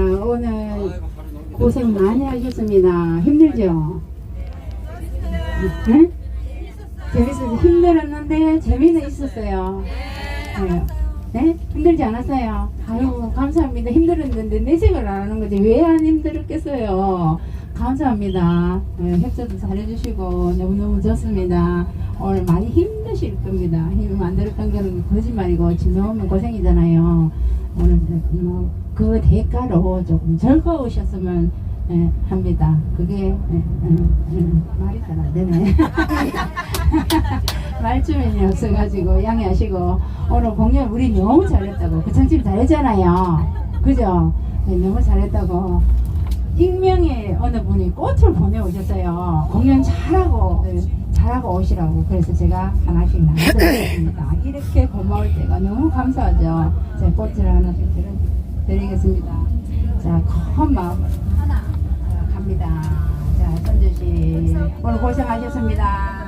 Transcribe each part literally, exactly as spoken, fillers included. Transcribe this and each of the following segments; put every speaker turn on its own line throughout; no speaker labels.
오늘 고생 많이 하셨습니다. 힘들죠? 네? 재밌어서 힘들었는데 재미는 있었어요. 네. 네? 힘들지 않았어요? 아유, 감사합니다. 힘들었는데 내색을 안 하는 거지. 왜 안 힘들었겠어요? 감사합니다. 네, 협조도 잘해주시고 너무너무 좋습니다. 오늘 많이 힘드실 겁니다. 힘 안 들었던 거는 거짓말이고 지금 너무 고생이잖아요. 오늘 뭐그 대가로 조금 즐거우셨으면 예, 합니다. 그게 예, 예, 예, 말이 잘 안 되네. 말주민이 없어가지고 양해하시고 오늘 공연 우리 너무 잘했다고 그창집 잘했잖아요. 그죠? 네, 너무 잘했다고 익명의 어느 분이 꽃을 보내오셨어요. 공연 잘하고 네, 잘하고 오시라고. 그래서 제가 하나씩 나눠드리겠습니다. 이렇게 고마울 때가 너무 감사하죠. 제가 꽃을 하나씩 드리겠습니다. 자, 큰 마음으로 하나 자, 갑니다. 자, 선주씨 오늘 고생하셨습니다.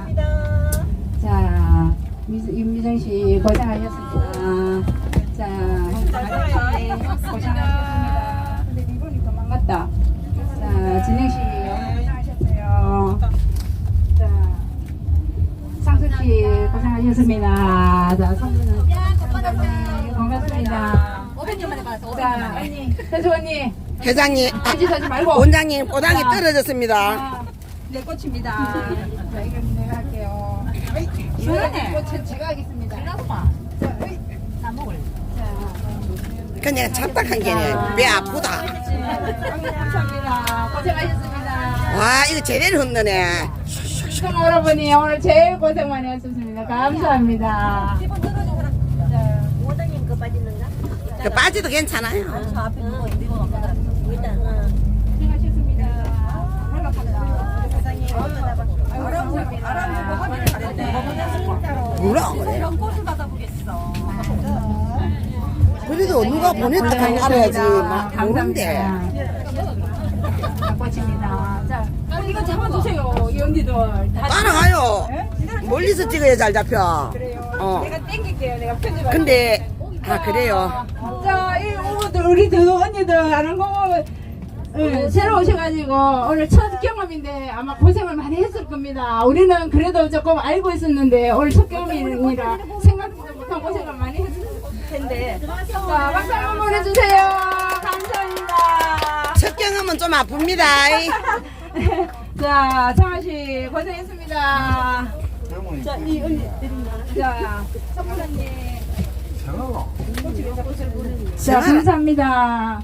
자, 임미정 씨 고생하셨습니다. 자, 가정씨 고생하셨습니다. 근데 이분이 도망갔다. 자, 진영 씨 고생하셨어요. 자, 상수 씨 고생하셨습니다. 자, 성준은 반갑습니다. 자, 언니, 현수 언니.
회장님,
한짓 하지 말고.
원장님, 꼬당이
자,
떨어졌습니다.
아, 내 꽃입니다. 자, 이건 내가 할게요. 이거는 꽃은 제가 하겠습니다. 자, 어이. 다 먹을. 자,
그냥 착각한 게네. 배 아프다.
감사합니다. 고생하셨습니다.
와, 이거 제대로 흔드네.
시청 여러분이 오늘 제일 고생 많이 하셨습니다. 감사합니다.
원장님 그 빠지는가?
그 빠지도 괜찮아요.
저 앞에 누워 있는 거 일단 어.
고생하셨습니다. 연락합니다.
세상에
아이고, 감사합니다.
뭐라 그래?
이런 꽃을 받아보겠어.
그래도 누가 보냈다 하고 알아야지. 막 모른데.
자, 꽃입니다. 자, 이거 잡아주세요, 이 언니들. 다
따라가요. 멀리서 찍어야 잘 잡혀.
그래요.
어.
내가 땡길게요. 내가 편집할
근데, 아, 그래요.
자, 이 오늘 우리 두 언니들 하는 거 보면 응, 새로 오셔가지고 오늘 첫 경험인데 아마 고생을 많이 했을 겁니다. 우리는 그래도 조금 알고 있었는데 오늘 첫 경험이라 생각지도 못한 고생을 많이 했을 텐데. 자, 박수 한번 보내주세요. 감사합니다.
첫 경험은 좀 아픕니다.
자, 창아씨 고생했습니다. 자, 이 언니 드립니다. 자, 선물 언니. 자, 감사합니다.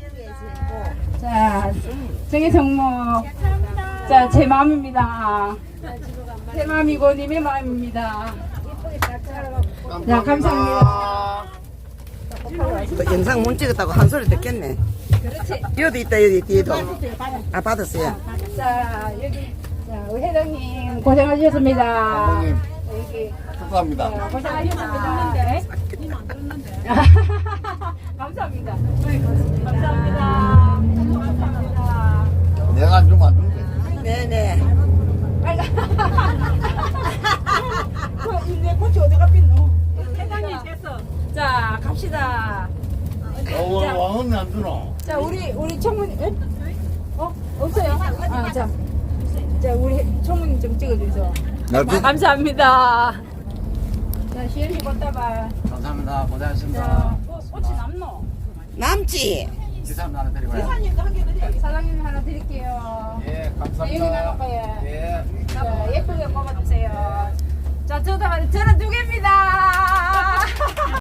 자, 정의 정모. 자, 제 마음입니다. 제 마음이고 님의 마음입니다. 자, 감사합니다.
또 영상 못 찍었다고 한 소리 듣겠네.
그렇지.
여기 있다, 여기 뒤에도. 아, 받았어요.
자, 여기. 자, 우리 회장님 고생하셨습니다.
회장님.
여기.
축하합니다.
자, 고생하셨습니다. 감사합니다. 감사합니다. 감사합니다.
내가 안 주면 안 준대.
네네.
내 꽃이 어디 갔겠노? 회장님 됐어. 자, 갑시다.
어, 오늘 왕은 안 주노.
자, 우리 우리 총무님, 에? 어 없어요? 아, 자, 자 우리 총무님 좀 찍어주세요.
나도.
감사합니다. 자, 시연이 꽃다발.
감사합니다. 고생하셨습니다.
자, 어, 꽃이 남노?
남지?
기사님 하나 드리고요.
사장님도 한 개 드릴게요. 사장님 하나 드릴게요.
예,
자, 여기
감사합니다.
나갈 거예요.
예.
자, 예쁘게 뽑아주세요. 자, 저도 저는 두 개입니다.